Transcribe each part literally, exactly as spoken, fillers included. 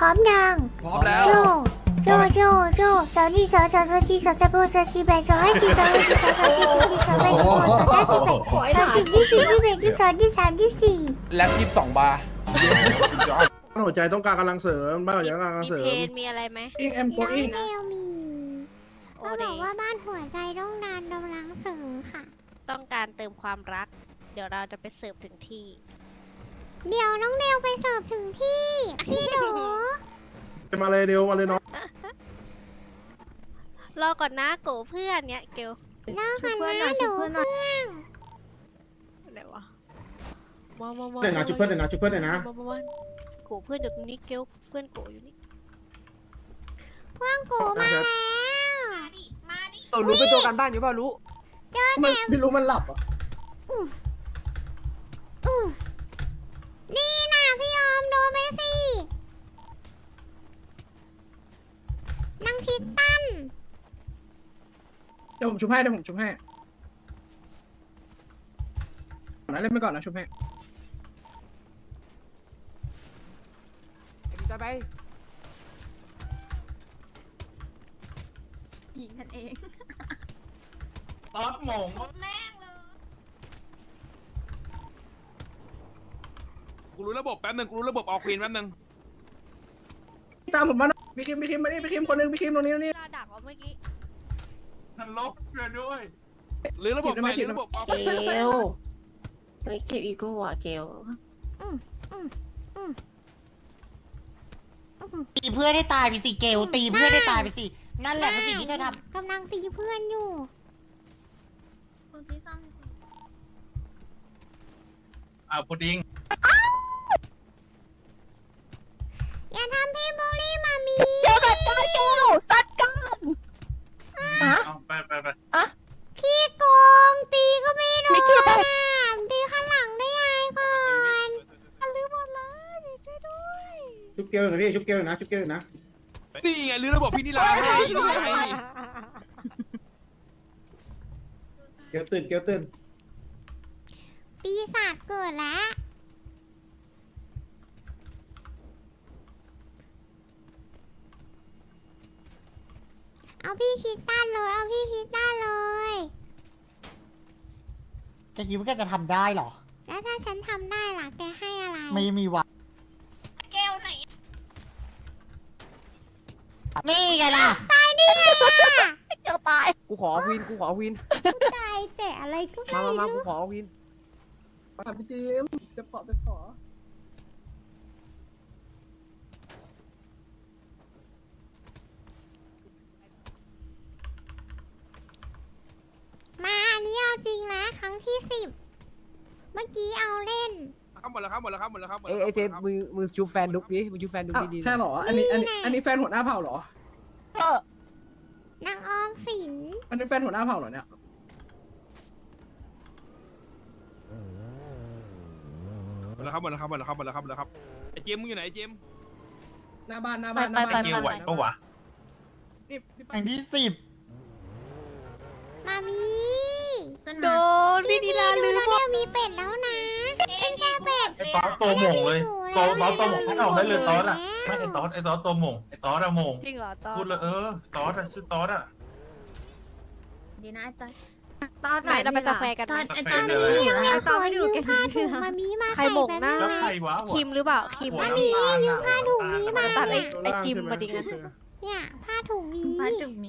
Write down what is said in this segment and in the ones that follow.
ร้อมยังพร้อมแล้วโจโจโจโจสาวนี่สาวสาวสาวจีสาวตะโบสาวจีแบสาวให้จีสาวให้จีสาวสาวจีสาวจีสาวแบสาวสาวจีแบสาวจีที่สี่ที่แบที่สองที่สามที่สี่แล็บยี่สิบสองบาร์บ้านหัวใจต้องการกำลังเสริมบ้านหัวใจต้องการกำลังมีเสริเพมนมีอะไรไหมอิงแอมโกน้องอิงเดลมีโอเขาเดบอกว่าบ้านหัวใจต้องการกำลังเสริมค่ะต้องการเติมความรัก เดี๋ยวเราจะไปเสิร์ฟถึงที่เดี๋ยวน้องเดลไปเสิร์ฟถึงที่ พี่หนูจะมาเลยเร็วมาเลยน้องรอก่อนนะโกเพื่อนเนี้ยเกลเลิกกันนะหนูเพื่อนอะไรวะมามามาเดี๋ยวนะชุบเพื่อนเดี๋ยวนะชุบเพื่อนเดี๋ยวนะมามามาโกเพื่อนอยู่ตรงนี้เกลเพื่อนโกอยู่นี่เพื่อนกูมาแล้วเออรู้เป็นตัวการบ้านอยู่เปล่ารู้เจอมันแต่ไม่รู้มันหลับอ่ะอู้อู้นี่นะพี่ออมโดนไปสินางทิตตันเดี๋ยวผมชุบให้เดี๋ยวผมชุบให้นะเล่นไปก่อนนะชุบให้จะไปยิงกันเองตอดหมงกูรู้ระบบแป๊บนึงกูรู้ระบบออกควีนแป๊บนึงตามผมมาหน่อยพี่คิมพี่คิมมานี่พี่คิมคนหนึงพี่คิมตรงนี้ตรงนี้เราดักเอาเมื่อกี้ทันลบเกินด้วยหรือระบบใหม่หรือระบบออกเกลเฮ้ยเกลอีโก้ว่ะเกลอืมอืมอืมอืมตีเพื่อนให้ตายไปสิเกลตีเพื่อนให้ตายไปสินั่นแหละคือสิ่งที่เธอทกำลังตีเพื่อนอยู่คุณพี่ซ่อมอ่าพุดดิ้งอย่าทำพี่บูลลี่มามีำเจอกันกันเกลตัดกันเอาไปไปไปพี่โกงตีก็ไม่โดนอ่ะตีข้างหลังได้ไงก่อนลืมหมดเลยช่วยด้วยชุบเกลหน่อยพี่ชุบเกลนะชุบเกลนะนี่ไงหรือระบบพี่นิลาให้นี่ไงเกลตื่นเกลตื่นปีศาจเกิดแล้ว เอาพี่คิดตันเลย เอาพี่คิดตันเลยแกคิดว่าแกจะทำได้เหรอแล้วถ้าฉันทำได้ล่ะ แกให้อะไรไม่มีวะนี่ไงล่ะตายได้ไงอ่ะเกลตายกูขอควีนกูขอควีนตายแต่อะไรก็ไม่มามามารู้กูขอควีนมาพี่จิมจะขอจะขอมาอันนี้เอาจริงนะครั้งที่สิบ เมื่อกี้เอาเล่นครับหมดแล้วครับหมดแล้วครับหมดแล้วครับเอ้ยไอเซฟมือมือชูแฟนดุกดิมือชูแฟนดุกอ้าวดีๆใช่เหรออันนี้อันนี้อันนี้แฟนหัวหน้าเผ่าเหรอเออนางออมสินอันนี้แฟนหัวหน้าเผ่าเหรอเนี่ยหมดแล้วครับหมดแล้วครับหมดแล้วครับหมดแล้วครับหมดแล้วครับไอเจมมึงอยู่ไหนไอเจมหน้าบ้านหน้าบ้านหน้าบ้านเกลไหวปะวะนี่พี่อันที่สิบมามีขึ้นโดมานพี่นิลาลืมแล้วเนี่ยมีเป็ดแล้วนะเป็นแค่เป็ดไอตอสตัวหมงเลยตอสตอสตัวหมงฉันออกได้เลยตอสอ่ะไม่ไอตอสไอตอสตัวหมงไอตอสอะหมงจริงเหรอตอนพูดเลยเออตอสอะชื่อตอสอะดีนะจอยตอนไหนเราไปกาแฟกันตไหอมนไอ้ตอนนี้อยู่ไม่นะขตออนไม่ยืดูมกันผ้าถุงมามีมาใครหม่งหน้าใส่แล้วแบบใครวะคิมหรือเปล่าคิมหัวอะน้ำตาลอะผ้าถุงนี้มาตัดไอ้ตัวไอล่างจิมใช่ไหมาดิงั้นโอเคเนี่ยผ้าถุงนี้พาจุกนี้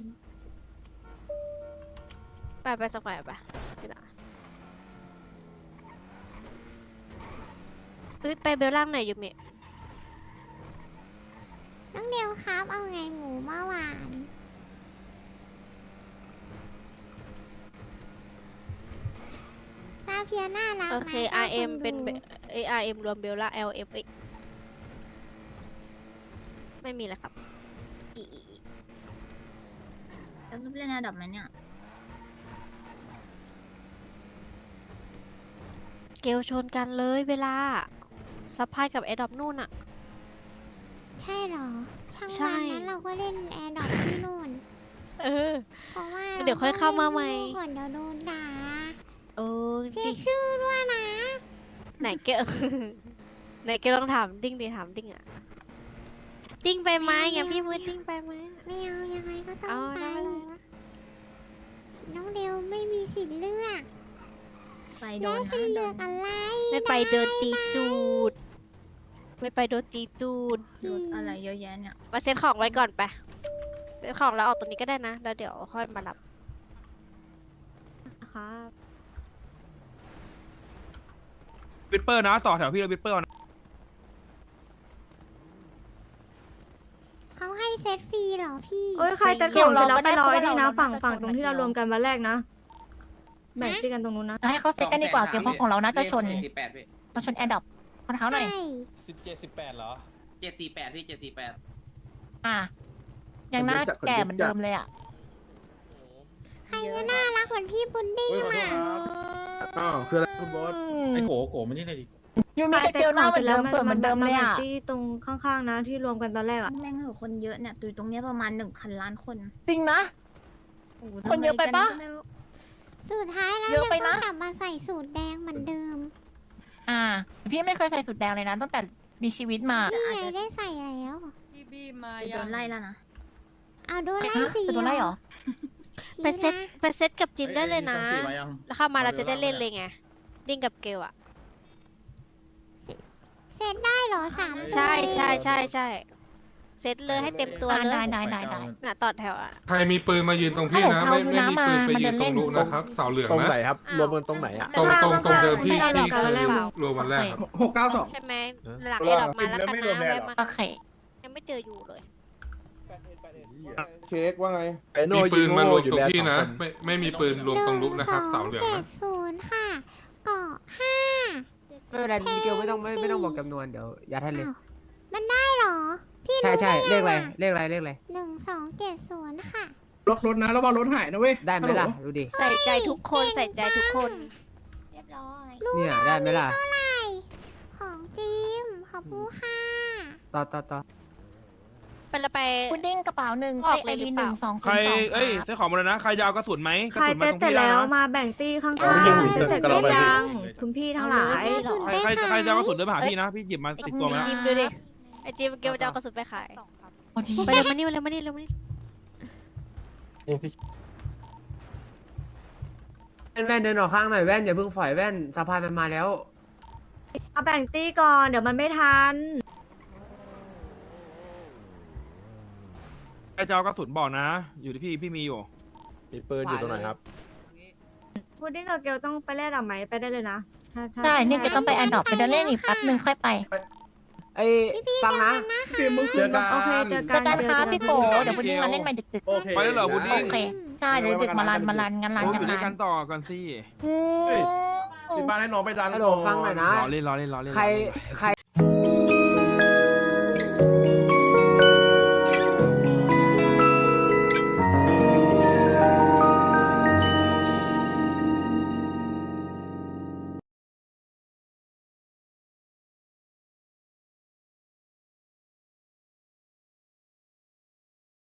ไปไปสแควร์ไปพี่ละเอ้ยไปเบลล่างหน่อยยูเมะน้องเดียวครับ เอาไงหมูเมื่อวานซาเพียน่ารักโอไหมเคต้ R M คดูเป็นเอ R M รวมเบลล่า L F อีกไม่มีแล้วครับอีอีอีแล้วก็เล่นระดับไหมเนี่ยเกลชนกันเลยเวลาซัพพลายกับแอดดอปนู่นอะใช่เหรอ ช่างใช่วันนั้นเราก็เล่นแอร์ดอกที่นู่นเออเพราะว่าเดี๋ยวค่อยเข้ามาใหม่ก่อนเดี๋ยวโดนด่าเออเช็ดิคชื่อด้วยนะไหนเกล ไหนเกลลองถามดิ้งดิถามดิ้งอะติ้งไปไหมอย่าพี่พูดติ้งไปไหมไม่เอายังไงก็ต้อเอางไปได้น้องเดวไม่มีสิทธิ์เลือกไปโดแล้วนฉันนะเลือกอะไรไม่ไปเดินตีจูด ไม่ไปโดนตีจูดโดนอะไรเยอะแยะเนี่ยมาเซ็ตของไว้ก่อนไปเซ็ตของแล้วออกตรงนี้ก็ได้นะ แล้วเดี๋ยวค่อยมารับครับวิดเปอร์นะต่อแถวพี่เราวิดเปอร์นะเขาให้เซตฟรีเหรอพี่โอ้ยใครจะของเสร็จแล้วไปรอไอ้นี่นะฝั่งฝั่งตรงที่เรารวมกันวันแรกนะแบ่งตีกันตรงนู้นนะให้เขาเซ็ตกันดีกว่าเกมเพราะของเราน่าจะชนสี่แปดพี่มาชนแอร์ดรอปคนเขาหน่อยใช่สิบเจ็ดสิบแปดเหรอเจ็ดสี่แปดพี่เจ็ดสี่แปดอ่ะยังหน้าแก่เหมือนเดิมเลยอ่ะใครจะน่ารักเหมือนพี่พุดดิ้งโอ้ยขอโทษครับอ้าวคืออะไรคุณบอสไอ้โกโกมันนี่เลยดิยูมีกระเจียวหน้าเหมือนเดิมสวยเหมือนเดิมเลยอ่ะที่ตรงข้างๆนะที่รวมกันตอนแรกอ่ะแม่งเหอะคนเยอะเนี่ยตุยตรงเนี้ยประมาณหนึ่งพันล้านคนจริงนะโอ้โหคนเยอะไปปะทำมกันก็ไม่รู้สุดท้ายแล้วเยอะไปเรานะก็กลับมาใส่สูตรแดงเหมือนเดิมอ่า พี่ไม่เคยใส่สุดแดงเลยนะตั้งแต่มีชีวิตมานี่ไงได้ใส่แล้วโดนไล่แล้วนะเอาโดนไล่ฮะสีจะโดนไล่เหรอไปเซ็ตไปเซ็ตกับจิมได้เลยนะ แล้วเข้ามาเราจะได้เล่นเลยไง ดิ้งกับเกลอะเซตได้เหรอสามใช่ใช่ใช่ใช่เซ็ตเลยให้เต็มตัวอ่าเลได้ยได้ได้ได้น่ะต่อแถวอะใครมีปืนมายืนตรงพี่นะ ไม่ไม่มีปืนไปยืนตรงนู้นนะครับ เสาเหลืองตรงไหนนะครับรวมกันตรงไหนอะตรงตรงตรงเดิมที่ที่เราที่รวมกันวันแรกรวมวันแรกครับหกเก้าสองใช่ไหมหลังเอ็ดออกมาแล้วกันนะแวะมาโอเคยังไม่เจออยู่เลยเค้กว่าไงมีปืนมารวมตรงพี่นะ ไม่ไม่มีปืนรวมตรงนู้นนะครับ เสาเหลืองเจ็นะดศูนย์ค่ะเกาะห้าไม่เป็นไรมิเกลไม่ต้องไม่ไม่ต้องบอกจำนวนเดี๋ยวยัดให้เลยอ้าวมันได้เหรอ พี่ใช่รู้ใช่ได้เลขอะไรไงเลขอะไรเลขอะไรหนึ่งสองเจ็ดศูนย์ค่ะล็อกรถนะแล้วว่ารถหายนะเว้ยได้ไหมล่ะดูดิใส่ใจทุกคนใส่ใจทุกคนเรียบร้อยเนี่ยได้ไหมล่ะเท่าไหร่ของจิมขอบคุณค่ะต่อต่อต่อเป็นละไปพุดดิ้งกระเป๋าหนึ่งออกไอเลยหรือรีเปหล่านึ่งสองใครศูนย์สองเอ้ยซื้อของมาเลยนะ ใครจะเอากระสุนไหมกระใครสุนมาเซ็ตตรงเสร็จพี่แล้แล้ววนะมาแบ่งตีข้างเอาไปยิงๆเซ็ตเสร็จเอาได้ไปยิงยังคุณพี่ทั้งหลายใครใครใครจะเอากระสุนเดินมาหาพี่นะ พี่หยิบมาไอ้ติดตัวมาแล้วจิมดูดิ ไอ้จิมเกลจะเอากระสุนไปขายพอดีไปเร็วมานี่เร็วมานี่เร็วมานี่แว่นแว่นเดินออกข้างหน่อยแว่นอย่าเพิ่งฝอยแว่นสะพานมันมาแล้วเอาแบ่งตีก่อนเดี๋ยวมันไม่ทันใครจะเอากระสุนบอกนะ อยู่ที่พี่พี่มีอยู่มีปืนอยู่ตรงไหนครับพุดดิ้งกับเกลต้องไปเล่นอ่ะไหมไปได้เลยนะถ้าถ้าใช่เนี่ยจะต้องไปแอร์ดรอปไปเดินเล่นอีกแป๊บหนึ่งค่อยไปไอ้ฟังนะพี่มึงเจคือน กันโอเคเจอเจกัอน กันเจอคกัรับนพี่โกเดี๋ยวพุดดิ้งมาเล่นใหม่ดึกโอเคไปแล้วเหรอพุดดิ้ๆงโอเคใช่เดี๋ยวดึกมาลันมาลันงานลันโอ้ยกัอน ยู่ด้วยลักัน นต่อกันสิอืมมีบ้านให้น้องไปดันฮัลโหลฟังหน่อยนะรอเล่นรอเล่นรอเล่นใครใคร